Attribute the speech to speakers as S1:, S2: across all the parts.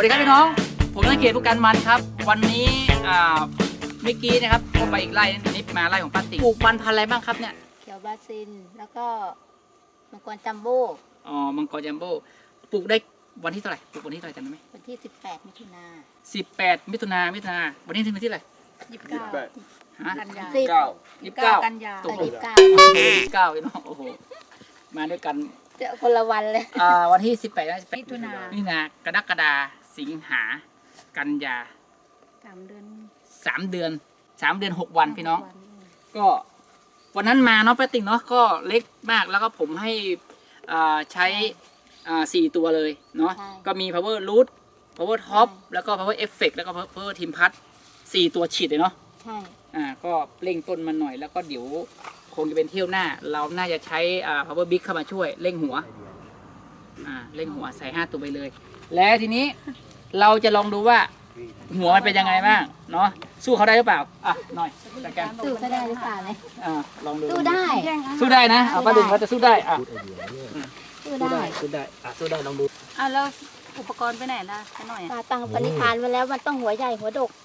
S1: ดีครับพี่น้องผมนักเขียนผู้การมันครับวันนี้เมื่อกี้นะครับก็ไปอีกไร่นิดมาไร่ของป้าติ๋งปลูกมันพันธุ์อะไรบ้างครับเนี่ย
S2: เขียวบราซิลแล้วก็มังกรจัมโบ้
S1: อ๋อมังกรจัมโบ้ปลูกได้วันที่เท่าไหร่ปลูกวันที่เท่าไหร่จำได้ไหม
S2: วันที่18 มิถุนา
S1: 18 มิถุนาวันนี้ถึงวันที่อะไร
S2: 29
S1: ฮะ
S2: กันยา
S1: 29
S2: กันยา29
S1: พี่น้องโอ้โหมาด้วยกัน
S2: เจอคนละวันเลย
S1: วันที่18
S2: มิถุน
S1: ากรกฎาสิงหากันยา
S2: 3 เดือน
S1: 3 เดือน 6 วันพี่น้องก็วันนั้นมาเนาะป้าติ๋งเนาะก็เล็กมากแล้วก็ผมให้ใช้4 ตัวเลยเนาะก็มี power root power top แล้วก็ power effect แล้วก็ power teamพัด4 ตัวฉีดเลยเนาะ
S2: ใช่
S1: ก็เร่งต้นมันหน่อยแล้วก็เดี๋ยวคงจะเป็นเที่ยวหน้าเราน่าจะใช้power big เข้ามาช่วยเร่งหัวเร่งหัวใส่5 ตัวไปเลยและทีนี้เราจะลองดูว่าหัวมันเป็นยังไงบ้างเนาะสู้เขาได้หรือเปล่าหน่อยจัดการ
S2: สู้เขาได้หรือเปล่าเลย
S1: ลองดู
S2: สู้ได้
S1: นะป้าติ๋งเขาจะสู้ได้
S2: สู้ได้
S1: ลองดู
S3: แล้วอุปกรณ์ไปไหนล่ะไปหน่อย
S2: ตั้งปณิธานไว้แล้วมันต้องหัวใหญ่หัวดก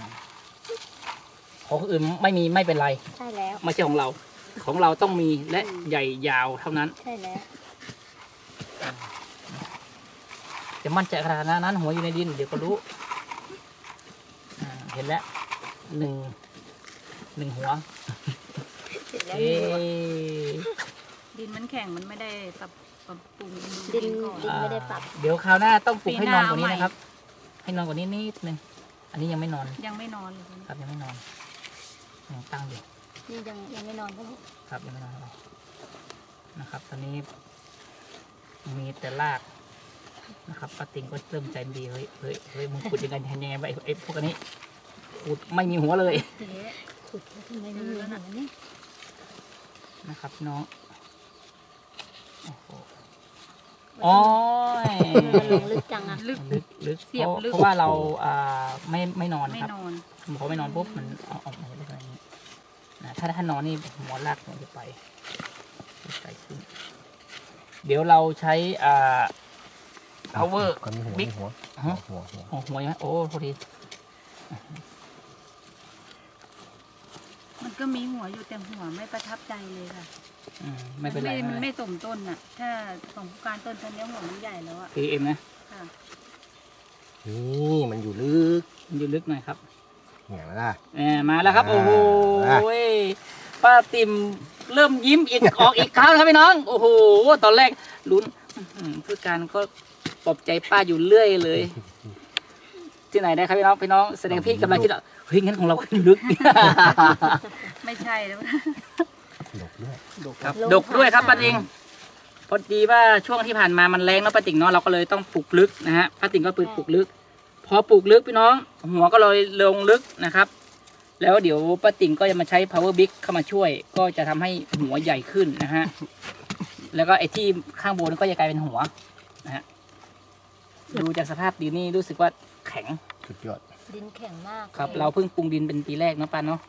S1: ของอื่นไม่เป็นไร
S2: ใช่แล้ว
S1: ไม่ใช่ของเราต้องมีและใหญ่ยาวเท่านั้น
S2: ใช่แล้ว
S1: จะมั่นใจขนาดนั้นหัวอยู่ในดินเดี๋ยวก็รู้เห็นแล้วหนึ่งหัว
S3: ดินมันแข็งมันไม่ได้ปรับปรุง
S2: ดินไม่ได้ปรับ
S1: เดี๋ยวคราวหน้าต้องปลุกให้นอนกว่านี้นะครับให้นอนกว่านี้นิดนึงอันนี้ยังไม่นอน
S3: เลย
S1: ครับยังไม่นอนยังตั้งอยู่
S2: นี่ยังไม่นอน
S1: ครับยังไม่นอนนะครับตอนนี้มีแต่รากนะครับป้าติ๋งก็เริ่มใจดีเฮ้ยมึงขุดยังไงไปไอ้พวกนี้ขุดไม่มีหัวเลย
S2: ขุดทำไมไม่มีหัวนี่
S1: นะครับน้องอ๋อ
S2: ลึกจัง
S3: ลึก
S1: เสียบลึกเพราะว่าเราไม่นอนครับเขาไม่นอนปุ๊บมันออกมาอะไรอย่างนี้ถ้านอนนี่หัวรากมันจะไปขึ้นเดี๋ยวเราใช้power big หัวยังไงโอ้พอดี
S3: มันก็มีหัวอยู่แต่หัวไม่ประทับใจเลยค่ะ
S1: ไม่เป็นไร
S3: มันไม่สมต้นน่ะถ้าของผู้การต้นนี้หัวมันใหญ่แล้วอ่ะ
S1: PMนะ
S4: นี่มันอยู่ลึก
S1: หน่อยครับ
S4: อย่างนั้น
S1: มาแล้วครับโอ้โหป้าติ๋มเริ่มยิ้มออกอีกครั้งครับพี่น้องโอ้โหตอนแรกลุ้นผู้การก็ปลอบใจป้าอยู่เรื่อยเลยที่ไหนได้ครับพี่น้องแสดงพี่กำลังคิดว่าเฮ้ยงั้นของเราขึ้นลึก
S3: ไม่ใช่แล้ว
S1: ดกด้วยครับป้าติ๋งพอดีว่าช่วงที่ผ่านมามันแรงเนาะป้าติ๋งเนาะเราก็เลยต้องปลูกลึกนะฮะป้าติ๋งก็ปลูกลึกพอปลูกลึกพี่น้องหัวก็เลยลงลึกนะครับแล้วเดี๋ยวป้าติ๋งก็จะมาใช้ power big เข้ามาช่วยก็จะทำให้หัวใหญ่ขึ้นนะฮะแล้วก็ไอ้ที่ข้างบนก็จะกลายเป็นหัวนะฮะดูจากสภาพดินนี่รู้สึกว่าแข็ง
S4: สุดยอด
S2: ดินแข็งมาก
S1: ครับเราเพิ่งปรุงดินเป็นปีแรกเนาะป้าเนาะ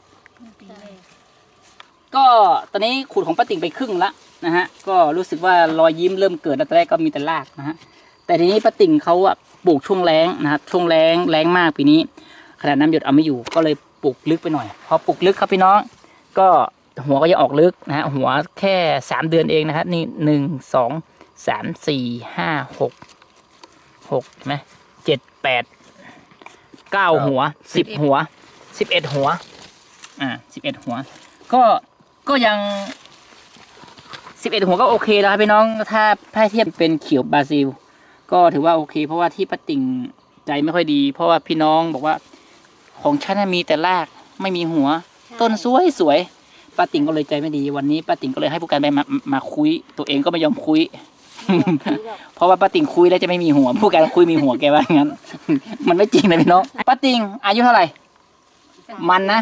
S1: ก็ตอนนี้ขุดของป้าติ๋งไปครึ่งละนะฮะก็รู้สึกว่ารอยยิ้มเริ่มเกิดแล้วตอนแรกก็มีแต่รากนะฮะแต่ทีนี้ป้าติ๋งเขาปลูกช่วงแล้งนะครับช่วงแล้งมากปีนี้ขนาดน้ำหยดเอาไม่อยู่ก็เลยปลูกลึกไปหน่อยพอปลูกลึกครับพี่น้องก็หัวก็จะออกลึกนะฮะหัวแค่3 เดือนเองนะครับนี่1 2 3 4 5 6ไหม7 8 9 หัว10 หัว11 หัว11 หัวก็ยัง11 หัวก็โอเคแล้วครับพี่น้องถ้าเทียบเป็นเขียวบราซิลก็ถือว่าโอเคเพราะว่าที่ป้าติ๋งใจไม่ค่อยดีเพราะว่าพี่น้องบอกว่าของฉันมีแต่รากไม่มีหัวต้นสวยป้าติ๋งก็เลยใจไม่ดีวันนี้ป้าติ๋งก็เลยให้ผู้การไปมาคุยตัวเองก็ไม่ยอมคุยเพราะว่าป้าติ๋งคุยแล้วจะไม่มีหัวผู้การคุยมีหัวแกว่างั้นมันไม่จริงนะพี่น้องป้าติ๋งอายุเท่าไหร่มันนะ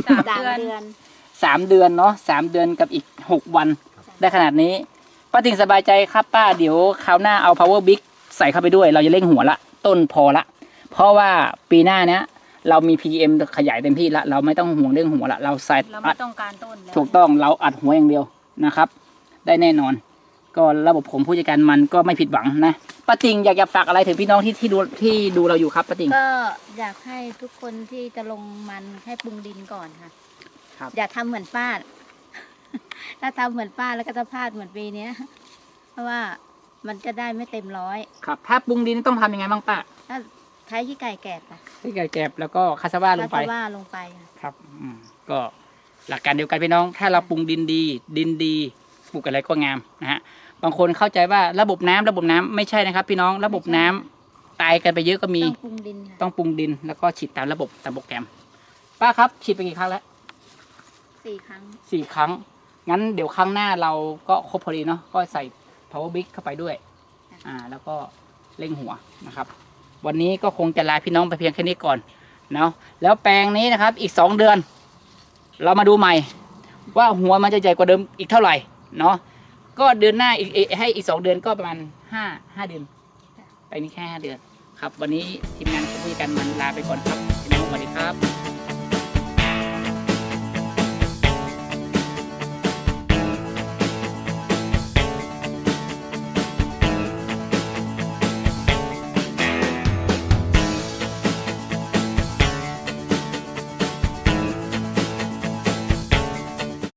S1: 3 เดือนเนาะ3 เดือนกับอีก6 วันได้ขนาดนี้ป้าติ๋งสบายใจครับป้าเดี๋ยวคราวหน้าเอา power big ใส่เข้าไปด้วยเราจะเร่งหัวละต้นพอละเพราะว่าปีหน้าเนี้ยเรามี PM ขยายเต็มที่ละเราไม่ต้องห่วงเรื่องหัวละเราใส่
S3: เราไม่ต้องการต้น
S1: ถูกต้องเราอัดหัวอย่างเดียวนะครับได้แน่นอนก็ระบบผมผู้จัดการมันก็ไม่ผิดหวังนะป้าติ่งอยากจะฝากอะไรถึงพี่น้องที่ดูเราอยู่ครับป้าติ่ง
S2: ก็อยากให้ทุกคนที่จะลงมันให้ปรุงดินก่อนค่ะ
S1: ครับ
S2: อย่าทำเหมือนป้า ถ้าทำเหมือนป้าแล้วก็จะพลาดเหมือนปีเนี้ย เพราะว่ามันจะได้ไม่เต็มร้อย
S1: ครับถ้าปรุงดินต้องทำยังไงบ้างป้า
S2: ถ้าใช้ขี้ไก่แกบค่ะ
S1: ที่ไก่แกบแล้วก็คาสว่าลงไป
S2: คาว่าลงไปค่ะ
S1: ครับก็หลักการเดียวกันพี่น้อง ถ้าเราปรุงดินดีปลูกอะไรก็งามนะฮะบางคนเข้าใจว่าระบบน้ำไม่ใช่นะครับพี่น้องระบบน้ำตายกันไปเยอะก็มี
S2: ต้องปรุงดินค่ะ
S1: ต้องปรุงดินแล้วก็ฉีดตามระบบตามโปรแกรมป้าครับฉีดไปกี่ครั้งแล้ว
S2: 4 ครั้ง
S1: 4 ครั้งงั้นเดี๋ยวครั้งหน้าเราก็ครบพอดีเนาะก็ใส่ power big เข้าไปด้วยแล้วก็เร่งหัวนะครับ วันนี้ก็คงจะลาพี่น้องไปเพียงแค่นี้ก่อนเนาะแล้วแปลงนี้นะครับอีก2 เดือน เรามาดูใหม่ ว่าหัวมันจะใหญ่กว่าเดิมอีกเท่าไหร่เนาะก็เดือนหน้าให้อีก2 เดือนก็ประมาณ5 เดือนไปนี้แค่5 เดือนครับ วันนี้ทีมงานผู้จัดการมันลาไปก่อนครับพี่น้องสวัสดีครับ